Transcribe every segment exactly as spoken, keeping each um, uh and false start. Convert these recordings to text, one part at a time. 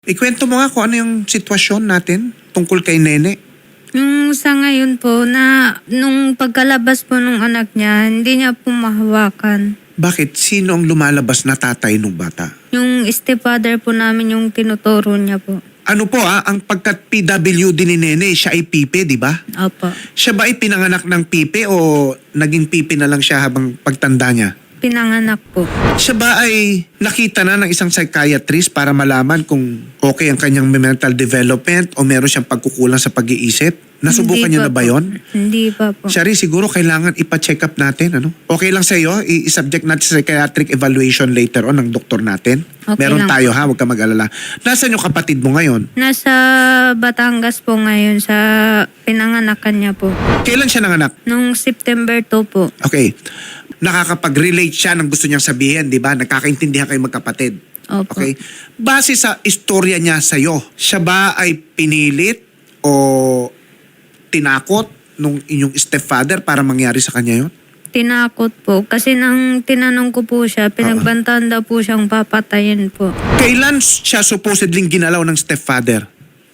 Ikwento mo nga kung ano yung sitwasyon natin tungkol kay Nene. Yung sa ngayon po, na nung pagkalabas po ng anak niya, hindi niya po mahawakan. Bakit? Sino ang lumalabas na tatay ng bata? Yung stepfather po namin yung tinuturo niya po. Ano po ah, ang pagkat P W D ni Nene, siya ay pipe, di ba? Opo. Siya ba ay pinanganak ng pipe o naging pipe na lang siya habang pagtanda niya? Pinanganak po. Siya ba ay nakita na ng isang psychiatrist para malaman kung okay ang kanyang mental development o meron siyang pagkukulang sa pag-iisip? Nasubukan Hindi niyo pa na ba po. yon? Hindi pa po. Shari, siguro kailangan ipa-check up natin. Ano? Okay lang sa iyo, i-subject natin sa psychiatric evaluation later on ng doktor natin. Okay Meron lang tayo ha, huwag ka mag-alala. Nasaan yung kapatid mo ngayon? Nasa Batangas po ngayon sa pinanganakan niya po. Kailan siya nanganak? Nung September two po. Okay. Nakakapag-relate siya ng gusto niyang sabihin, di ba? Nagkakaintindihan kayo magkapatid. Opo. Okay? Base sa istorya niya sa'yo, siya ba ay pinilit o tinakot nung inyong stepfather para mangyari sa kanya yon? Tinakot po. Kasi nang tinanong ko po siya, pinagbantaan daw po siyang papatayin po. Kailan siya supposedly ginalaw ng stepfather?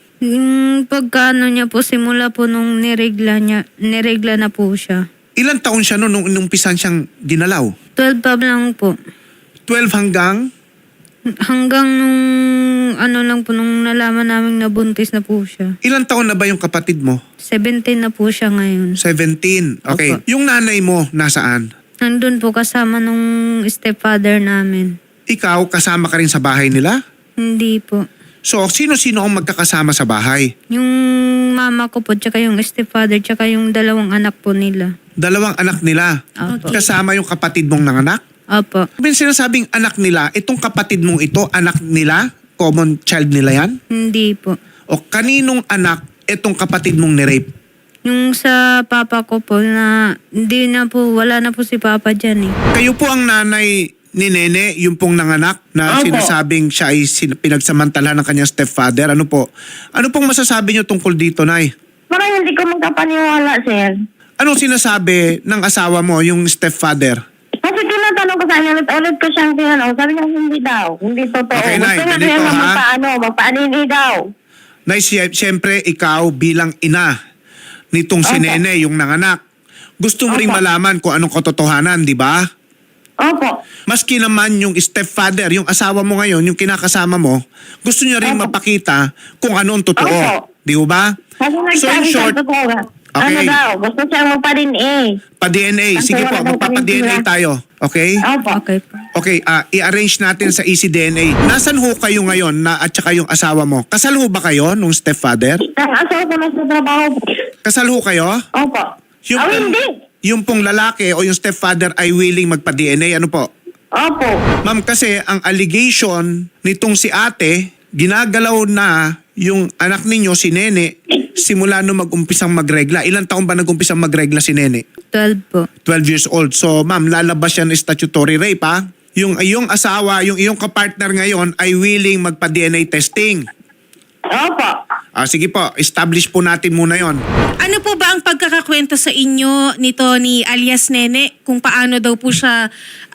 Yung pagkaano niya po, simula po nung niregla niya, niregla na po siya. Ilan taon siya noon nung inumpisan siyang dinalaw? twelve pa lang po. twelve hanggang? Hanggang nung ano lang po, nung nalaman namin na buntis na po siya. Ilan taon na ba yung kapatid mo? seventeen na po siya ngayon. seventeen. Okay. Opo. Yung nanay mo, nasaan? Nandun po kasama nung stepfather namin. Ikaw, kasama ka rin sa bahay nila? Hindi po. So, sino-sino ang magkakasama sa bahay? Yung mama ko po, tsaka yung stepfather, tsaka yung dalawang anak po nila. Dalawang anak nila. Opo. Kasama yung kapatid mong nanganak? Opo. Sabihin sinasabing anak nila, itong kapatid mong ito, anak nila? Common child nila yan? Hindi po. O kaninong anak itong kapatid mong nirape? Yung sa papa ko po na hindi na po, wala na po si papa dyan eh. Kayo po ang nanay ni Nene, yung pong nanganak na Opo. sinasabing siya ay sin- pinagsamantala ng kanyang stepfather. Ano po? Ano pong masasabi niyo tungkol dito, Nay? Parang hindi ko magkapaniwala, sir. Anong sinasabi ng asawa mo, yung stepfather? Kasi tinatanong ko sa kanya, ulit-ulit ko siyang tinanong. Sabi niya, hindi daw. Hindi totoo. Okay, Nay, Gusto niya ganito, kaya ha? magpaano, magpaanini daw. Nay, si- siyempre ikaw bilang ina nitong si Opo. Nene, yung nanganak. Gusto mo ring Opo. malaman kung anong katotohanan, di ba? Opo. Maski naman yung stepfather, yung asawa mo ngayon, yung kinakasama mo, gusto niya rin Opo. mapakita kung anong totoo. Opo. Di ba? Kasi So in nagsabi short, siya, totoo nga. Ano Okay. daw, gusto siyang magpa-D N A. pa-D N A. Kasi Sige po, wala daw magpapa-D N A kami sila. tayo. Okay? Opo. Okay po. Okay, ah, i-arrange natin sa E C D N A. Nasaan ho kayo ngayon na at saka yung asawa mo? Kasal ho ba kayo nung stepfather? Ang asawa ko na sa trabaho po. Kasal ho kayo? Opo. Yung, Oh, hindi. yung pong lalaki o yung stepfather ay willing magpa-D N A. Ano po? Opo. Ma'am, kasi ang allegation nitong si ate, ginagalaw na yung anak ninyo, si Nene, simula nung mag-umpisang magregla. Ilang taon ba nag-umpisang magregla si Nene? twelve po. twelve years old. So, ma'am, lalabas yan ng statutory rape, ha? Yung iyong asawa, yung iyong kapartner ngayon ay willing magpa-D N A testing. Opo. Ah, sige po, establish po natin muna yon. Ano po ba ang pagkakakwento sa inyo nito ni alias Nene kung paano daw po siya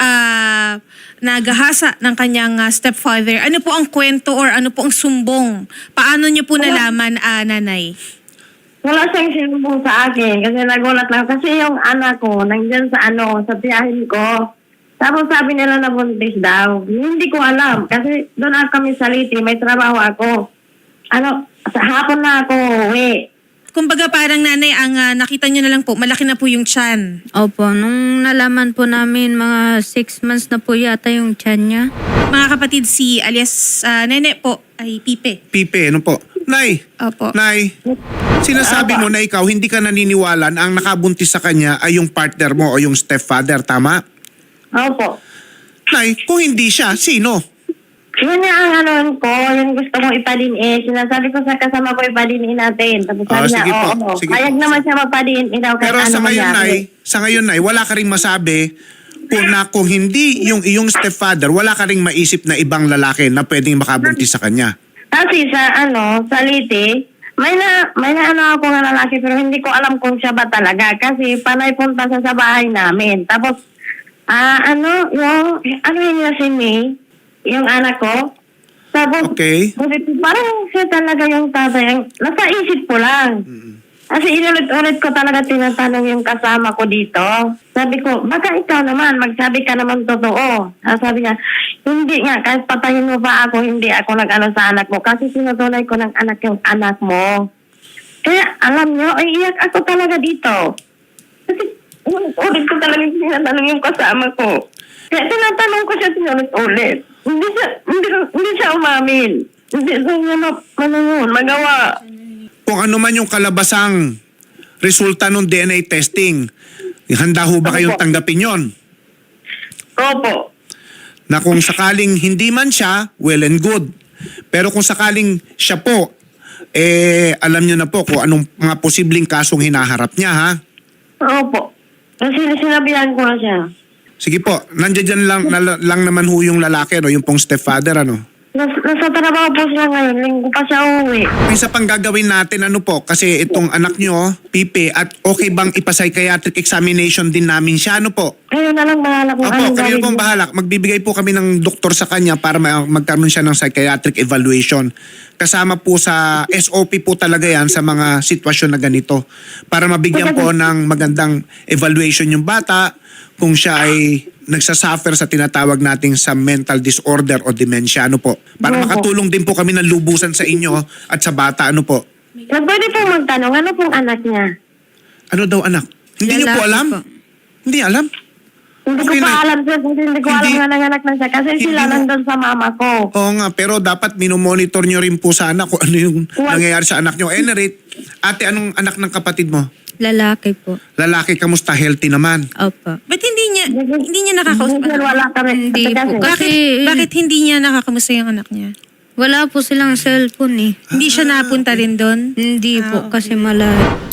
ah, nagahasa ng kanyang ah, stepfather? Ano po ang kwento or ano po ang sumbong? Paano niyo po nalaman, ah, nanay? Wala siyang sinumbong sa akin kasi nagulat lang. Kasi yung anak ko, nandiyan sa ano, sa tiyahin ko. Tapos sabi nila na buntis daw. Hindi ko alam kasi doon ako kami sa Liti, may trabaho ako. Ano, sa hapon na ako uwi. Kumbaga parang nanay, ang ah, nakita niyo na lang po, malaki na po yung tiyan. Opo, nung nalaman po namin, mga six months na po yata yung tiyan niya. Mga kapatid, si alias ah, Nene po ay Pipe. Pipe, ano po? Nay, Opo. Nay, sinasabi mo na ikaw hindi ka naniniwala na ang nakabuntis sa kanya ay yung partner mo o yung stepfather, tama? Opo. Nay, kung hindi siya, sino? Yun nga ang ano ko, yung gusto mong ipadin eh. Sinasabi ko sa kasama ko ipadin natin. Tapos Ah, sabi niya, sige po, oo, oo. sige Kayag po. naman siya mapadin daw kahit Pero ano sa ngayon, Nay, mangyari. sa ngayon, Nay, wala ka rin masabi kung na kung hindi yung iyong stepfather, wala ka rin maisip na ibang lalaki na pwedeng makabuntis sa kanya. Kasi sa ano, sa Liti, may na, may na ano ako nga lalaki pero hindi ko alam kung siya ba talaga. Kasi panay punta siya sa bahay namin. Tapos, ah ano, yung, ano yun niya si May, yung anak ko, Tapos, Okay. sabi ko, parang siya talaga yung tatay. Ang, nasa isip ko lang. Kasi inulit-ulit ko talaga tinatanong yung kasama ko dito. Sabi ko, baka ikaw naman, magsabi ka naman totoo. Ah, sabi niya, hindi nga, kahit patayin mo pa ako, hindi ako nag-ano sa anak mo. Kasi sinutunay ko ng anak yung anak mo. Kaya, alam niyo, ay iyak ako talaga dito. Kasi, ulit ko talaga tinatanong yung kasama ko. Kaya tinatanong ko siya sinulit-ulit. Hindi siya, hindi, hindi siya umamin. Hindi siya ma, ano yun, magawa. Kung ano man yung kalabasang resulta ng D N A testing, handa ho ba kayong tanggapin yon? Opo. Na kung sakaling hindi man siya, well and good. Pero kung sakaling siya po, eh alam niyo na po kung anong mga posibleng kasong hinaharap niya, ha? Opo. Kasi sinabihan ko na siya. Sige po, nandiyan dyan lang, na, lang naman ho yung lalaki, no? Yung pong stepfather, ano? Nas, nasa trabaho po siya ngayon. Linggo pa siya uwi. May isa pang gagawin natin, ano po, kasi itong anak nyo, Pipe, at okay bang ipa-psychiatric examination din namin siya, ano po? Kayo na lang bahala kung Opo, anong kayo gawin pong niya. bahala. Magbibigay po kami ng doktor sa kanya para ma- magkaroon siya ng psychiatric evaluation. Kasama po sa S O P po talaga yan sa mga sitwasyon na ganito. Para mabigyan po ng magandang evaluation yung bata kung siya ay nagsasuffer sa tinatawag nating sa mental disorder o dementia, ano po. Para Opo. makatulong din po kami ng lubusan sa inyo at sa bata, ano po. Na pwede pong magtanong, ano pong anak niya? Ano daw anak? Hindi niyo po Lalaki alam? po. Hindi alam? Hindi Okay ko pa na. alam sir, kasi hindi ko Hindi- alam nga nanganak na siya. Kasi Hindi sila mo- nandun sa mama ko. Oo nga, pero dapat minomonitor nyo rin po sana kung ano yung What? nangyayari sa anak nyo. Enerate, ate, anong anak ng kapatid mo? Lalaki po. Lalaki, kamusta? Healthy naman. Opo. Ba't hindi niya, hindi niya nakakausap? Sir, wala kami. Hindi Kasi- po. Bakit, Kasi- bakit hindi niya nakakamusta yung anak niya? Wala po silang cellphone eh. Hindi siya napunta rin doon? Hindi Ah, po, okay. kasi malayo.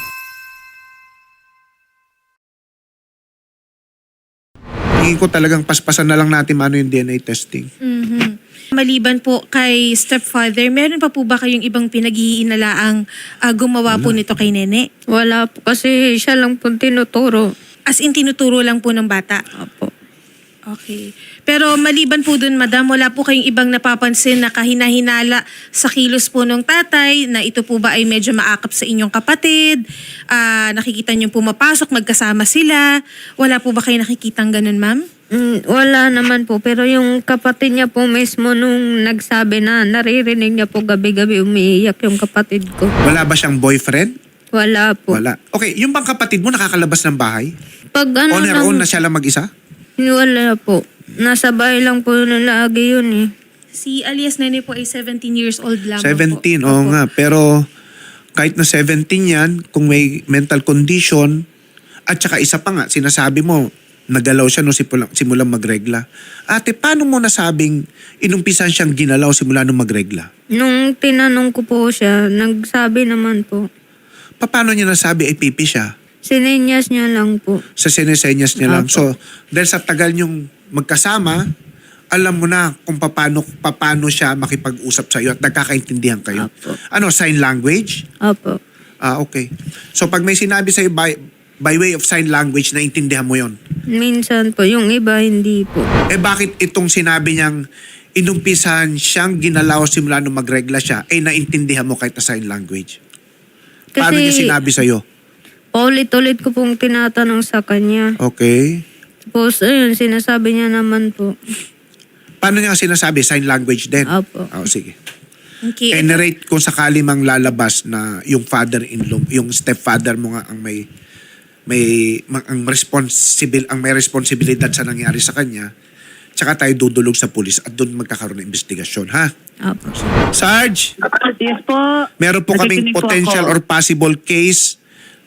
Hingin ko talagang paspasan na lang natin ano yung D N A testing. Mhm. Maliban po kay stepfather, meron pa po ba kayong ibang pinag-iinalaang ah, gumawa po nito kay Nene? Wala po, kasi siya lang po tinuturo. As in, tinuturo lang po ng bata? Opo. Okay. Pero maliban po dun, madam, wala po kayong ibang napapansin na kahina-hinala sa kilos po ng tatay na ito po ba ay medyo maakap sa inyong kapatid? Ah, nakikita niyo pumapasok, magkasama sila? Wala po ba kayo nakikitang ganun, ma'am? Mm, wala naman po, pero yung kapatid niya po mismo nung nagsabi na naririnig niya po gabi-gabi umiiyak yung kapatid ko. Wala ba siyang boyfriend? Wala po. Wala. Okay, yung bang kapatid mo nakakalabas ng bahay? Pag ano On her lang, own na siya lang mag-isa? wala po. Nasa bahay lang po lagi yun eh. Si alias Nene po ay seventeen years old lamang seventeen, po. oo Opo. nga. Pero kahit na seventeen yan, kung may mental condition, at saka isa pa nga, sinasabi mo, nagalaw siya nung simulang, simulang magregla. Ate, paano mo nasabing inumpisan siyang ginalaw simula nung magregla? Nung tinanong ko po siya, nagsabi naman po. Paano niya nasabi ay pipi siya? Sinenyas niya lang po. Sa sinesenyas niya lang. Apo. So, dahil sa tagal niyong magkasama, alam mo na kung paano, paano siya makipag-usap sa iyo at nagkakaintindihan kayo. Apo. Ano, sign language? Opo. Ah, okay. So, pag may sinabi sa'yo by, by way of sign language, naintindihan mo yon. Minsan po, yung iba hindi po. Eh, bakit itong sinabi niyang inumpisahan siyang ginalaw simula nung magregla siya, eh naintindihan mo kahit na sign language? Paano niya sinabi sa'yo? paulit-ulit ko pong tinatanong sa kanya. Okay. Tapos, ayun, sinasabi niya naman po. Paano niya sinasabi? Sign language din? Opo. Oh, sige. Okay. Eh, narrate kung sakali mang lalabas na yung father-in-law, yung stepfather mo nga ang may may ma- ang responsible ang may responsibilidad sa nangyari sa kanya. Tsaka tayo dudulog sa pulis at doon magkakaroon ng investigasyon, ha? Opo. Sarge, Yes po. meron po kaming Nakikinig po potential ako. or possible case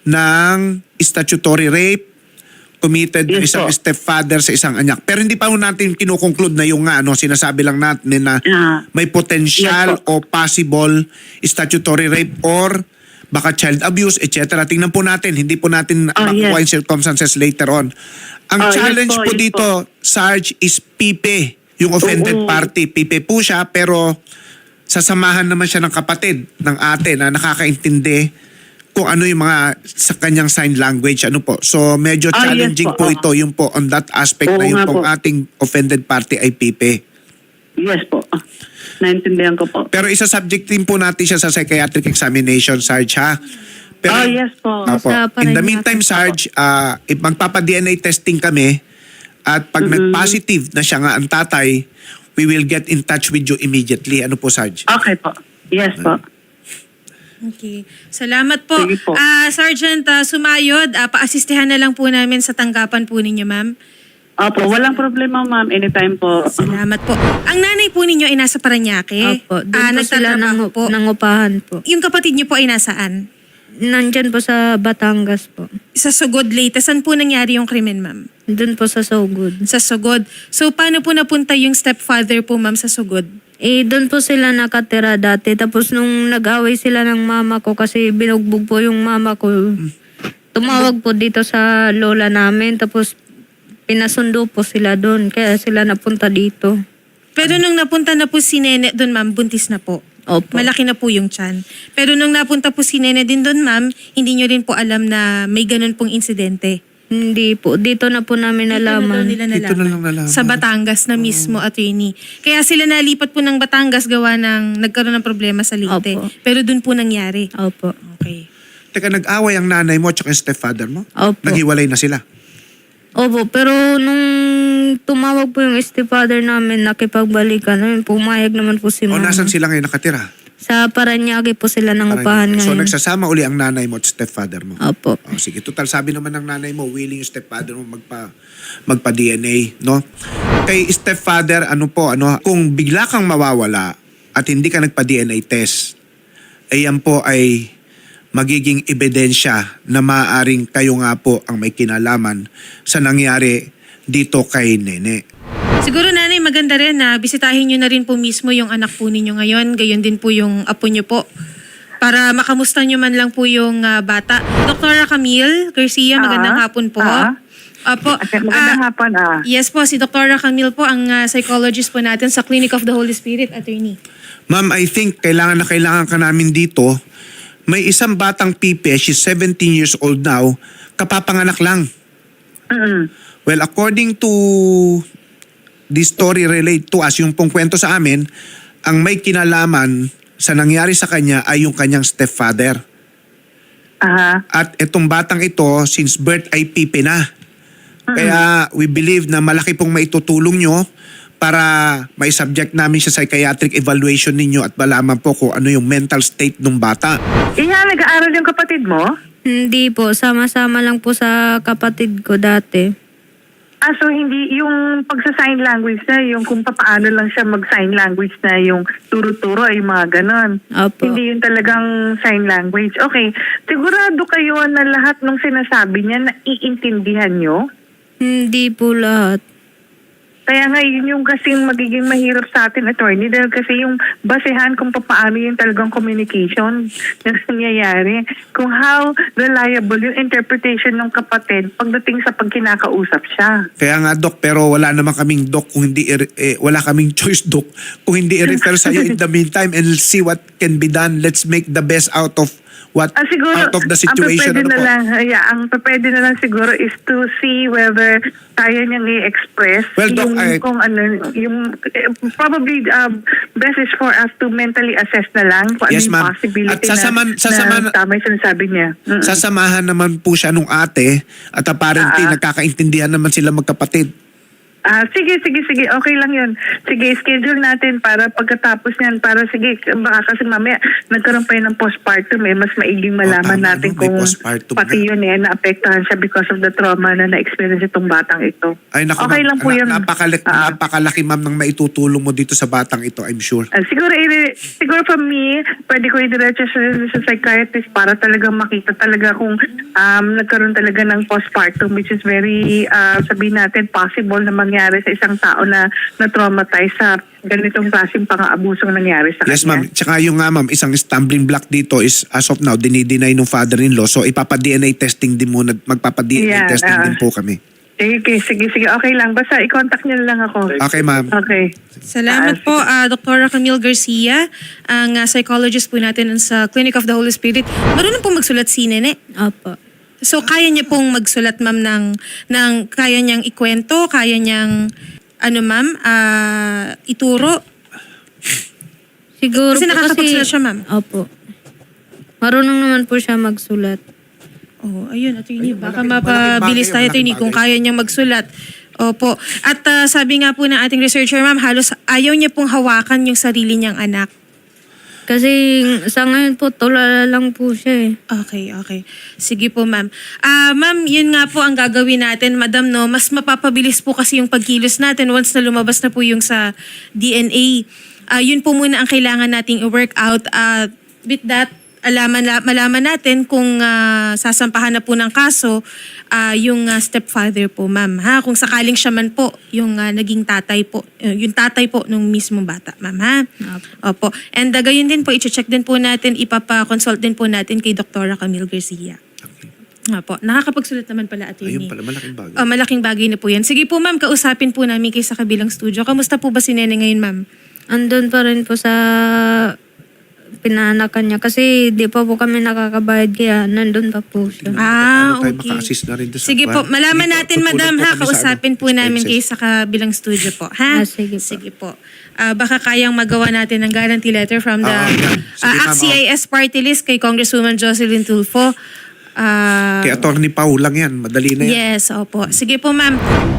ng statutory rape committed ng Yes isang po. stepfather sa isang anak. Pero hindi pa ho natin kinukonclude na yung nga, ano, sinasabi lang natin na Ah. may potential Yes o possible statutory rape or baka child abuse, et cetera. Tingnan po natin, hindi po natin Ah, makukuha yes. yung circumstances later on. Ang Ah, yes challenge po, po, yes dito, Sarge, is Pipe, yung offended Oo. party. Pipe po siya, pero sasamahan naman siya ng kapatid ng ate na nakakaintindi kung ano yung mga sa kanyang sign language. Ano po. So, medyo Ah, yes challenging po, po ah. ito, yung po on that aspect Oo na yung nga pong po. ating offended party ay Pipe. Yes po. Ah, naintindihan ko po. Pero isa-subject din po natin siya sa psychiatric examination, Sarge, ha? Pero, Oh, yes po. Opo. Sa In the Parañaque. meantime, Sarge, uh, magpapa-D N A testing kami at pag nag-positive na siya nga ang tatay, we will get in touch with you immediately. Ano po, Sarge? Okay po. Yes po. Okay. Salamat po. Sige po. Ah, Sergeant ah, Sumayod, ah, paasistihan na lang po namin sa tanggapan po ninyo, ma'am. Opo, walang problema ma'am. Anytime po. Salamat po. Ang nanay po ninyo ay nasa Parañaque. Opo, doon Ah, po sila nagtatrabaho nang, po. nangupahan po. Yung kapatid niyo po ay nasaan? Nandyan po sa Batangas po. Sa Sugod, Leyte. Saan po nangyari yung krimen, ma'am? Doon po sa Sogod. Sa Sugod. So, paano po napunta yung stepfather po, ma'am, sa Sugod? Eh, doon po sila nakatira dati. Tapos nung nag-away sila ng mama ko kasi binugbog po yung mama ko. Tumawag po dito sa lola namin. Tapos pinasundo po sila doon. Kaya sila napunta dito. Pero nung napunta na po si Nene doon, ma'am, buntis na po. Opo. Malaki na po yung tiyan. Pero nung napunta po si Nene din doon, ma'am, hindi nyo rin po alam na may ganun pong insidente. Hindi po. Dito na po namin Dito na daw nalaman. nila Dito na lang nalaman. Sa Batangas na mismo, attorney. Kaya sila nalipat po ng Batangas gawa ng nagkaroon ng problema sa Leyte. Opo. Pero doon po nangyari. Opo. Okay. Teka, nag-away ang nanay mo at yung stepfather mo? Opo. Naghiwalay na sila? Opo, pero nung tumawag po yung stepfather namin, nakipagbalikan, ayun, pumayag naman po si O mama. nasan sila ngayon nakatira? Sa Parañaque po sila nangupahan So ngayon. nagsasama uli ang nanay mo at stepfather mo? Opo. Oh, sige, total sabi naman ng nanay mo, willing yung stepfather mo magpa magpa-D N A, no? Kay stepfather, ano po, ano, kung bigla kang mawawala at hindi ka nagpa-D N A test, ay yan po ay magiging ebidensya na maaaring kayo nga po ang may kinalaman sa nangyari dito kay Nene. Siguro, nanay, maganda rin na bisitahin nyo na rin po mismo yung anak po ninyo ngayon. Gayon din po yung apo nyo po. Para makamusta nyo man lang po yung ah, bata. Doktora Camille Garcia, magandang Ah, hapon po. ah. Apo, Magandang ah, hapon ah. yes po, si Doktora Camille po, ang ah, psychologist po natin sa Clinic of the Holy Spirit, attorney. Ma'am, I think kailangan na kailangan ka namin dito. May isang batang pipe, she's seventeen years old now, kapapanganak lang. Mm-mm. Well, according to the story relayed to us, yung pong kwento sa amin, ang may kinalaman sa nangyari sa kanya ay yung kanyang stepfather. Aha. At itong batang ito, since birth ay pipe na. Kaya we believe na malaki pong maitutulong nyo para may subject namin sa psychiatric evaluation ninyo at malaman po kung ano yung mental state ng bata. Iha, nag-aaral yung kapatid mo? Hindi po. Sama-sama lang po sa kapatid ko dati. Ah, so hindi yung pagsa-sign language na, yung kung paano lang siya mag-sign language na yung turo-turo ay mga ganon. Opo. Hindi yung talagang sign language. Okay, sigurado kayo na lahat ng sinasabi niya na iintindihan nyo? Hindi po lahat. Kaya nga yun yung kasing magiging mahirap sa atin, attorney, dahil kasi yung basehan kung paano yung talagang communication na nangyayari, kung how reliable yung interpretation ng kapatid pagdating sa pagkinakausap siya. Kaya nga, Doc, pero wala naman kaming Doc kung hindi, i- eh, wala kaming choice, Doc, kung hindi i-refer sa'yo in the meantime and see what can be done. Let's make the best out of what Ah, siguro, out of the situation. ang pwede Ano na po? lang, yeah, ang pwede na lang siguro is to see whether kaya niyang i-express Well, Doc, yung I- kung ano, yung eh, probably um, best is for us to mentally assess na lang kung Yes, ano yung ma'am. possibility At sasaman- na, sasaman- na tama yung sinasabi niya. Mm. Sasamahan naman po siya nung ate at apparently Ah. nagkakaintindihan naman sila magkapatid. Ah, sige, sige, sige. Okay lang yun. Sige, schedule natin para pagkatapos niyan. Para sige, baka kasi mamaya nagkaroon pa yun ng postpartum eh. Mas maiging malaman tama, natin no? May kung postpartum pati na. yun eh, naapektahan siya because of the trauma na na-experience itong batang ito. Ay naku, Okay ma'am. lang po Na- yun. Napakalaki, Ah. napakalaki, ma'am, ng maitutulong mo dito sa batang ito, I'm sure. Ah, siguro, i- siguro from me, pwede ko i-diretso sa, sa psychiatrist para talaga makita talaga kung um, nagkaroon talaga ng postpartum, which is very, uh, sabihin natin, possible na mangyari sa isang tao na na-traumatize sa ganitong klaseng pang-aabusong nangyari sa Yes, kanya. ma'am. Tsaka yung nga, ma'am, isang stumbling block dito is as of now, dinideny ng father-in-law. So, ipapa-D N A testing din muna. Magpapa-D N A Yeah, testing ah. din po kami. Sige, sige, sige. Okay lang. Basta i-contact niyo lang ako. Okay, ma'am. Okay. Salamat po, ah, Doktora Camille Garcia, ang ah, psychologist po natin sa Clinic of the Holy Spirit. Marunong pong magsulat si Nene. Opo. So, kaya niya pong magsulat, ma'am, ng, ng kaya niyang ikwento, kaya niyang ano ma'am, ah, ituro? Siguro Kasi po nakakapagsulat siya, ma'am. Opo. Marunong naman po siya magsulat. Oh, ayun, attorney, baka malaking- mapabilis malaking tayo, bagay, attorney, malaking kung bagay. kaya niyang magsulat. Opo. At ah, sabi nga po ng ating researcher, ma'am, halos ayaw niya pong hawakan yung sarili niyang anak. Kasi sa ngayon po, tulala lang po siya eh. Okay, okay. Sige po, ma'am. Ah, ma'am, yun nga po ang gagawin natin, madam, no? Mas mapapabilis po kasi yung pagkilos natin once na lumabas na po yung sa D N A. Ah, yun po muna ang kailangan nating i-work out. Ah, with that, alaman, la- malaman natin kung ah, sasampahan na po ng kaso ah, yung ah, stepfather po, ma'am. Ha? Kung sakaling siya man po yung ah, naging tatay po, eh, yung tatay po nung mismong bata, ma'am, ha? Opo. And uh, gayon din po, i-check din po natin, ipapa-consult din po natin kay Doktora Camille Garcia. Opo. Nakakapagsulat naman pala, attorney. Ayun pala, malaking bagay. Oh, malaking bagay na po yan. Sige po, ma'am, kausapin po namin kayo sa kabilang studio. Kamusta po ba si Nene ngayon, ma'am? Andun pa rin po sa pinanakan niya. Kasi di pa po kami nakakabayad kaya nandun pa po siya. Ah, Paano tayo okay. maka-assist na rin doon sa Sige po, kwan? malaman Dito, natin, tutulong madam, po ha? kami sa Kausapin ano, po namin kayo expenses. sa kabilang studio po, ha? Ah, sige po. Sige po. Ah, baka kayang magawa natin ng guarantee letter from the Ah, yan. Sige, ah, ma'am, A C C I S party list kay Congresswoman Jocelyn Tulfo. Ah, Kay Attorney Pau lang yan. Madali na yan. yes, opo. Sige po, ma'am.